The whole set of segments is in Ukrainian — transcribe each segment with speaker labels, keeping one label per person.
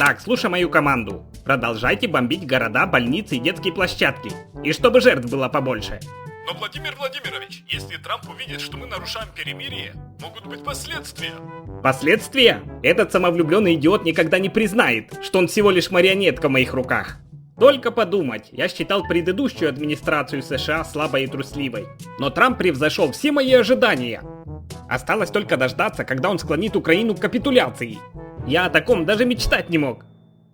Speaker 1: Так, слушай мою команду. Продолжайте бомбить города, больницы и детские площадки. И чтобы жертв было побольше.
Speaker 2: Но, Владимир Владимирович, если Трамп увидит, что мы нарушаем перемирие, могут быть последствия.
Speaker 1: Последствия? Этот самовлюбленный идиот никогда не признает, что он всего лишь марионетка в моих руках. Только подумать, я считал предыдущую администрацию США слабой и трусливой. Но Трамп превзошел все мои ожидания. Осталось только дождаться, когда он склонит Украину к капитуляции. Я о таком даже мечтать не мог.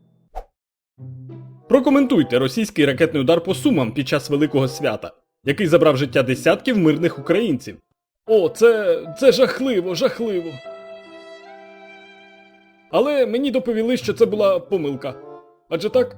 Speaker 3: Прокоментуйте російський ракетний удар по Сумам під час Великого Свята, який забрав життя десятків мирних українців. О, це жахливо, жахливо. Але мені доповіли, що це була помилка. Адже так?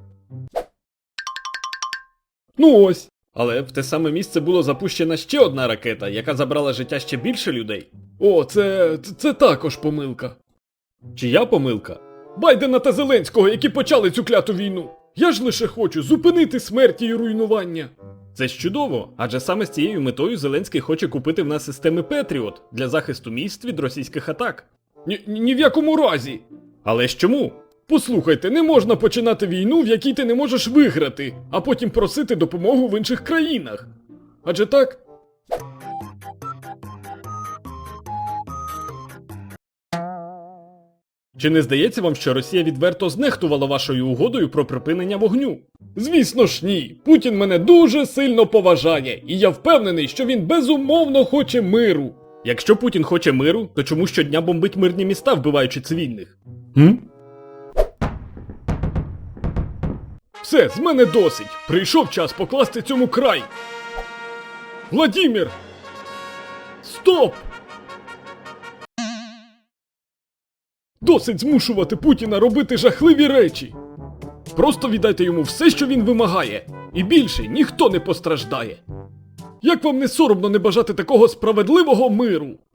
Speaker 3: Ну ось. Але в те саме місце було запущена ще одна ракета, яка забрала життя ще більше людей. О, це також помилка. Чия помилка? Байдена та Зеленського, які почали цю кляту війну. Я ж лише хочу зупинити смерті і руйнування. Це ж чудово, адже саме з цією метою Зеленський хоче купити в нас системи Петріот для захисту міст від російських атак. Ні в якому разі. Але ж чому? Послухайте, не можна починати війну, в якій ти не можеш виграти, а потім просити допомогу в інших країнах. Адже так? Чи не здається вам, що Росія відверто знехтувала вашою угодою про припинення вогню? Звісно ж ні. Путін мене дуже сильно поважає, і я впевнений, що він безумовно хоче миру. Якщо Путін хоче миру, то чому щодня бомбить мирні міста, вбиваючи цивільних? Все, з мене досить. Прийшов час покласти цьому край. Владімір! Стоп! Досить змушувати Путіна робити жахливі речі. Просто віддайте йому все, що він вимагає, і більше ніхто не постраждає. Як вам не соромно не бажати такого справедливого миру?